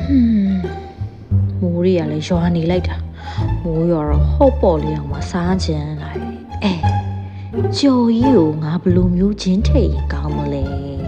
မိုးတွေကလည်းရွာနေလိုက်တာမိုးရွာတော့ဟုတ်ပေါ်လေးအောင်မစားချင်လိုက်ကြော်ကြီးကိုငါဘလိုမျိုးချင်းထိတ်ရင်ကောင်းမလဲ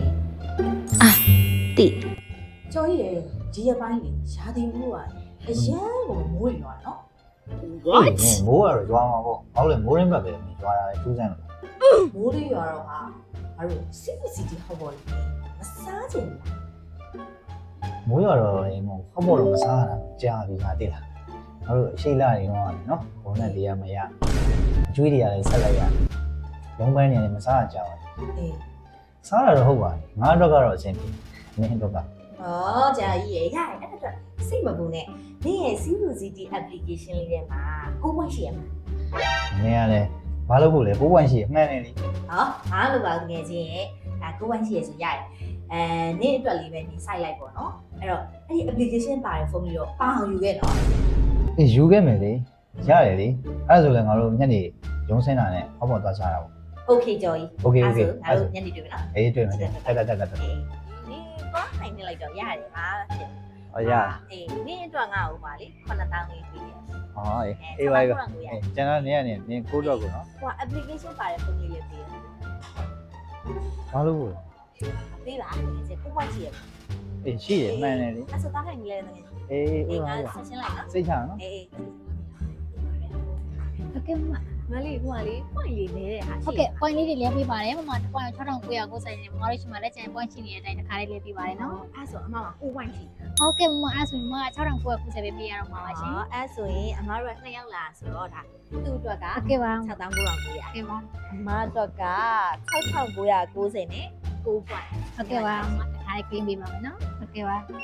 တိကြော်ကြီးရဲ့ဒီရပိုင်းလေရာသီဥတုကအရန်ကိုမိုးရွာနော် What မိုးရတော့ရွာမှာပေါ့ဘာလို့လဲမိုးရင်းဘက်ပဲရွာတာလေထူးဆန်းလို့မိုးလေးရွာတော့ဟာငါတို့စီတီဟုတ်ပေါ်လေမစားချင်ဘူးမိုးရတော့လေမဟုတ်ပေါ့တော့မစားရတာကြာပြီဟာတိလားငါတို့အရှိလာနေတော့နော်ဘုံနဲ့တရားမရအကျွေးတွေကလည်းဆက်လိုက်ရလုံးပိုင်းနေလည်းမစားရကြဘူးအေးစားရတော့ဟုတ်ပါငါတော့ကတော့အဆင်ပြေမင်းတော့ကဂျာကြီးရဲ့ရတယ်အဲ့ဒါစိတ်မပူနဲ့နင်းရဲ့ CCTV application လေးထဲမှာကိုဝိုင်းရှိရမှာမင်းကလည်းဘာလို့ဖို့လဲကိုဝိုင်းရှိမှန်းနေလေအားလို့ပါငယ်ချင်းရဲ့ကိုဝိုင်းရှိရဆိုရတယ်နင်းအတွက်လေးပဲနင်းစိုက်လိုက်ပေါ့နော်အဲ့တော့အဲ့ဒီ application ပါတဲ့ဖုန်းလေးတော့ပါအောင်ယူခဲ့နော်အေးယူခဲ့မယ်လေရတယ်လေအဲ့ဒါဆိုလည်းငါတို့ညနေရုံးစင်းတာနဲ့ဟောပေါ်သွားချတာပေါ့โอเคကြော်ကြီးโอเคငါတို့ညနေတွေ့မယ်နော်အေးတွေ့မယ်တက်နင်းသွားနိုင်နေလိုက်တော့ရတယ်ဟာရအေးနင်းအတွက်ငါ့ဦးပါလေ9000လေးပေးရတယ်အေးပါကျန်တော့နေရနေနင်းကိုတော့ကိုနော်ဟို application ပါတဲ့ဖုန်းလေးလေးပေးရတယ်ဘာလို့လဲပေးပါဒီကိုဝိုင်းရှိရအေးရှိရမှန်တယ်လေအဲ့ဆိုတားခိုင်နေလဲငယ်အေးငါဆက်ရှင်းလိုက်နော်စိတ်ချနော်အေးဟုတ်ကဲ့မလေးဟိုကလေ point လေးနေတဲ့ဟာရှိဟုတ်ကဲ့ point လေးတွေလဲပေးပါတယ်မမ point 6990နဲ့မမတို့ရှိမှလည်းကျန် point ရှိနေတဲ့အတိုင်းတစ်ခါလေးလဲပေးပါတယ်နော်အဲ့ဆိုအမကကိုဝိုင်းရှိဟုတ်ကဲ့မမအဲ့ဆိုရင်မမ6990ပဲပေးရတော့မှာပါရှင်အဲ့ဆိုရင်အမတို့က2ယောက်လာဆိုတော့ဒါသူ့အတွက်ကဟုတ်ကဲ့ပါ 6990ဟုတ်ကဲ့ပါအမအတွက်က6990နဲ့9 point ဟုတ်ကဲ့ပါမတစ်ခါလေး clean ပေးပါမယ်နော်ဟုတ်ကဲ့ပါဟုတ်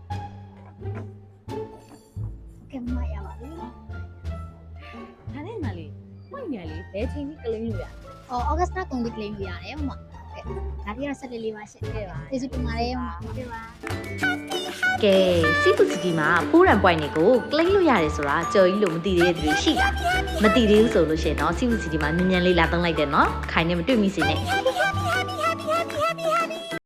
ကဲ့မရပါဘူးဒါနဲ့မလေးpoint ညာလေးဘယ်ချိန်ကြီး claim လို့ရ August လကုန်ပြီး claim လို့ရတယ်မမဟုတ်ကဲ့ဒါပြတော့ဆက်လေးပါရှင်းခဲ့ပါကျေးဇူးတင်ပါတယ်မမဟုတ်ကဲ့ပါကဲစီတူစီတီမှာဖိုးရန် point တွေကို claim လို့ရတယ်ဆိုတာကြော်ကြီးလို့မသိသေးတဲ့သူတွေရှိလားမသိသေးဘူးဆိုလို့ရှိရင်တော့စီတူစီတီမှာမြန်မြန်လေးလာသုံးလိုက်တယ်နော်ခိုင်နေမတွေ့မိစေနဲ့